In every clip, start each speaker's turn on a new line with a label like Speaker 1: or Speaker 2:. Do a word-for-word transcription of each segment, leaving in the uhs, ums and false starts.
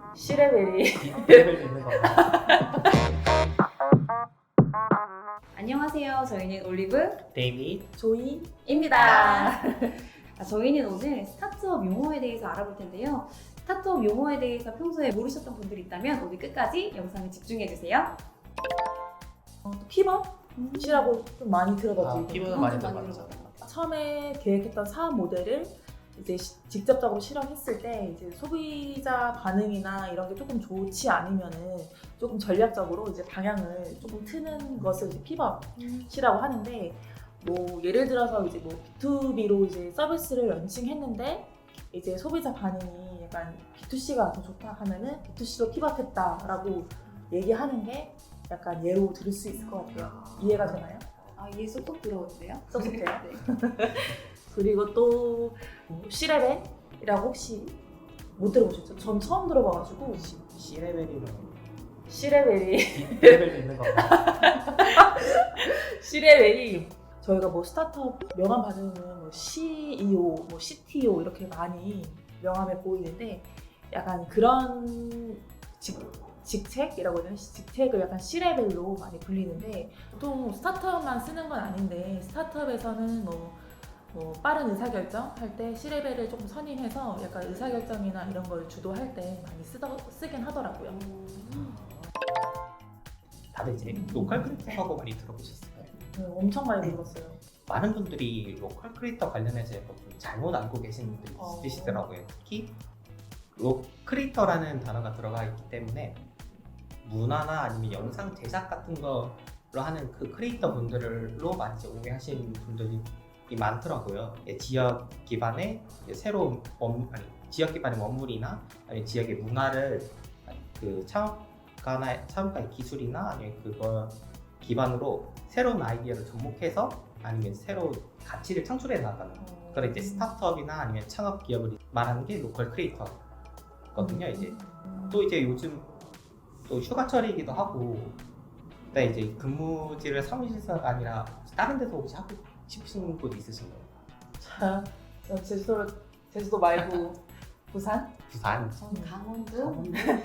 Speaker 1: 시레벨이
Speaker 2: 레벨도 있는 건가?
Speaker 3: 안녕하세요. 저희는 올리브
Speaker 2: 데이비
Speaker 1: 조이입니다.
Speaker 3: 아, 저희는 오늘 스타트업 용어에 대해서 알아볼 텐데요. 스타트업 용어에 대해서 평소에 모르셨던 분들이 있다면 오늘 끝까지 영상을 집중해주세요.
Speaker 1: 어, 피벗이라고 좀 많이 들어봤지.
Speaker 2: 아, 피벗은 많이
Speaker 3: 엄청
Speaker 2: 들어봤죠.
Speaker 3: 들어봤다.
Speaker 1: 처음에 계획했던 사업 모델을 이제 시, 직접적으로 실험했을 때 이제 소비자 반응이나 이런 게 조금 좋지 않으면은 조금 전략적으로 이제 방향을 조금 트는 것을 이제 피벗이라고 하는데, 뭐 예를 들어서 이제 뭐 비투비로 이제 서비스를 런칭했는데 이제 소비자 반응이 약간 비투씨가 더 좋다 하면은 비투씨로 피벗했다라고 얘기하는 게 약간 예로 들을 수 있을 것 같아요. 이해가 되나요?
Speaker 3: 아, 이해 쏙쏙 들어오는데요?
Speaker 1: 쏙쏙해요?
Speaker 3: 네.
Speaker 1: 그리고 또 C레벨이라고 혹시 못 들어보셨죠? 전 처음 들어봐가지고.
Speaker 2: C레벨이면
Speaker 1: C레벨이
Speaker 2: D레벨도 있는 건가?
Speaker 1: C레벨이 저희가 뭐 스타트업 명함 받으면 뭐 씨이오, 뭐 씨티오 이렇게 많이 명함에 보이는데 약간 그런 직, 직책이라고 해야 되나? 직책을 약간 C레벨로 많이 불리는데, 보통 스타트업만 쓰는 건 아닌데 스타트업에서는 뭐 뭐 빠른 의사결정 할 때 C레벨을 조금 선임해서 약간 의사결정이나 이런 걸 주도할 때 많이 쓰더, 쓰긴 하더라고요.
Speaker 2: 다들 이제 로컬 크리에이터라고 많이 들어보셨을까요?
Speaker 1: 네, 엄청 많이
Speaker 2: 네.
Speaker 1: 들었어요.
Speaker 2: 많은 분들이 로컬 크리에이터 관련해서 약간 좀 잘못 알고 계신 분들이
Speaker 1: 어.
Speaker 2: 있으시더라고요. 특히 로 크리에이터라는 단어가 들어가 있기 때문에 문화나 아니면 영상 제작 같은 거로 하는 그 크리에이터 분들로 많이 이제 오해하시는 분들이 많더라고요. 예, 지역 기반의 새로운 원, 아니, 지역 기반의 원물이나 아니면 지역의 문화를 그 창업가나 창업가의 기술이나 아니면 그걸 기반으로 새로운 아이디어를 접목해서 아니면 새로운 가치를 창출해 나가는 그런 이제 스타트업이나 아니면 창업 기업을 말하는 게 로컬 크리에이터거든요. 이제 또 이제 요즘 또 휴가철이기도 하고, 그다음에 이제 근무지를 사무실에서가 아니라 다른 데서 혹시 하고 싶으신 곳 있으신가요?
Speaker 1: 자, 제주도 제주도 말고 부산?
Speaker 2: 부산.
Speaker 3: 저는 강원도.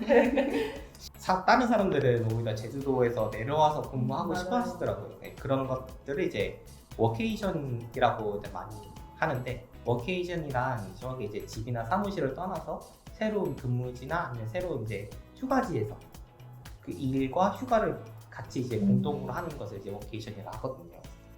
Speaker 2: 사, 다른 사람들은 오히려 제주도에서 내려와서 근무하고
Speaker 1: 맞아요.
Speaker 2: 싶어 하시더라고요. 네, 그런 것들을 이제 워케이션이라고 이제 많이 하는데, 워케이션이란 정확히 이제 집이나 사무실을 떠나서 새로운 근무지나 아니면 새로운 이제 휴가지에서 그 일과 휴가를 같이 이제
Speaker 1: 음.
Speaker 2: 공동으로 하는 것을 이제 워케이션이라고 하거든요.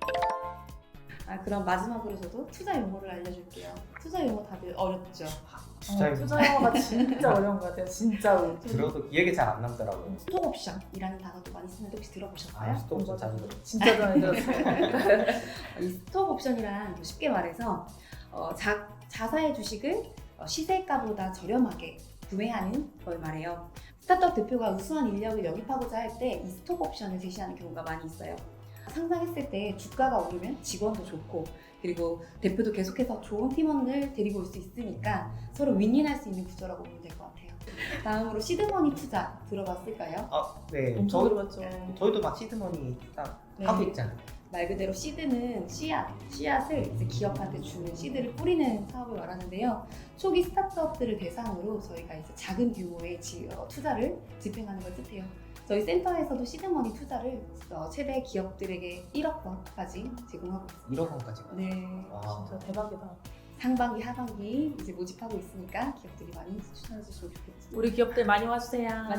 Speaker 3: 아, 그럼 마지막으로 저도 투자 용어를 알려줄게요. 투자 용어 다들 어렵죠?
Speaker 2: 투자
Speaker 1: 어, 투자 영어가 진짜 어려운 것 같아요. 진짜로.
Speaker 2: 들어도 기억이 잘 안 남더라고요.
Speaker 3: 스톡옵션이라는 단어도 많이 쓰는데 혹시 들어보셨어요?
Speaker 2: 아, 스톱 좀 자주 들어요.
Speaker 1: 진짜 많이 들었어요.
Speaker 3: 이 스톡옵션이란 쉽게 말해서 어, 자, 자사의 주식을 어, 시세가보다 저렴하게 구매하는 걸 말해요. 스타트업 대표가 우수한 인력을 영입하고자 할 때 이 스톡옵션을 제시하는 경우가 많이 있어요. 상장했을 때 주가가 오르면 직원도 좋고, 그리고 대표도 계속해서 좋은 팀원을 데리고 올 수 있으니까 서로 윈윈할 수 있는 구조라고 보면 될 것 같아요. 다음으로 시드머니 투자 들어봤을까요?
Speaker 2: 아, 네.
Speaker 1: 엄청
Speaker 2: 저,
Speaker 1: 들어봤죠.
Speaker 2: 저희도 막 시드머니 딱
Speaker 3: 네.
Speaker 2: 하고 있잖아요.
Speaker 3: 말 그대로 시드는 씨앗, 씨앗을 이제 기업한테 주는 씨드를 뿌리는 사업을 말하는데요. 초기 스타트업들을 대상으로 저희가 이제 작은 규모의 지, 어, 투자를 집행하는 걸 뜻해요. 저희 센터에서도 시드머니 투자를 어, 최대 기업들에게 일억 원까지 제공하고 있습니다.
Speaker 2: 일억 원까지.
Speaker 3: 네,
Speaker 2: 와.
Speaker 1: 진짜 대박이다.
Speaker 3: 상반기, 하반기 이제 모집하고 있으니까 기업들이 많이 추천해 주시면 좋겠죠.
Speaker 1: 우리 기업들 많이 와주세요.
Speaker 3: 많이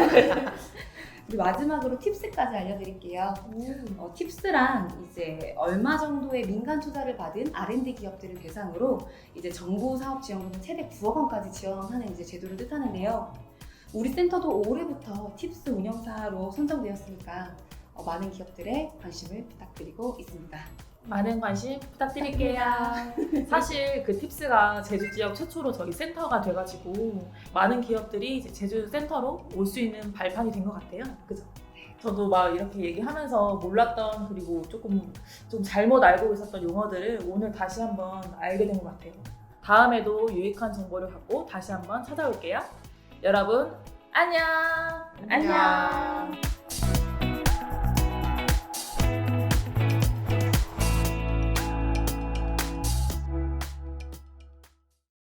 Speaker 3: 그리고 마지막으로 팁스까지 알려드릴게요.
Speaker 1: 음.
Speaker 3: 어, 팁스란 이제 얼마 정도의 민간 투자를 받은 알앤디 기업들을 대상으로 이제 정부 사업 지원금을 최대 구억 원까지 지원하는 이제 제도를 뜻하는데요. 우리 센터도 올해부터 팁스 운영사로 선정되었으니까 어, 많은 기업들의 관심을 부탁드리고 있습니다.
Speaker 1: 많은 관심 부탁드릴게요. 사실 그 팁스가 제주 지역 최초로 저희 센터가 돼가지고 많은 기업들이 이제 제주 센터로 올 수 있는 발판이 된 것 같아요. 그죠? 저도 막 이렇게 얘기하면서 몰랐던, 그리고 조금 좀 잘못 알고 있었던 용어들을 오늘 다시 한번 알게 된 것 같아요. 다음에도 유익한 정보를 갖고 다시 한번 찾아올게요. 여러분 안녕.
Speaker 3: 안녕.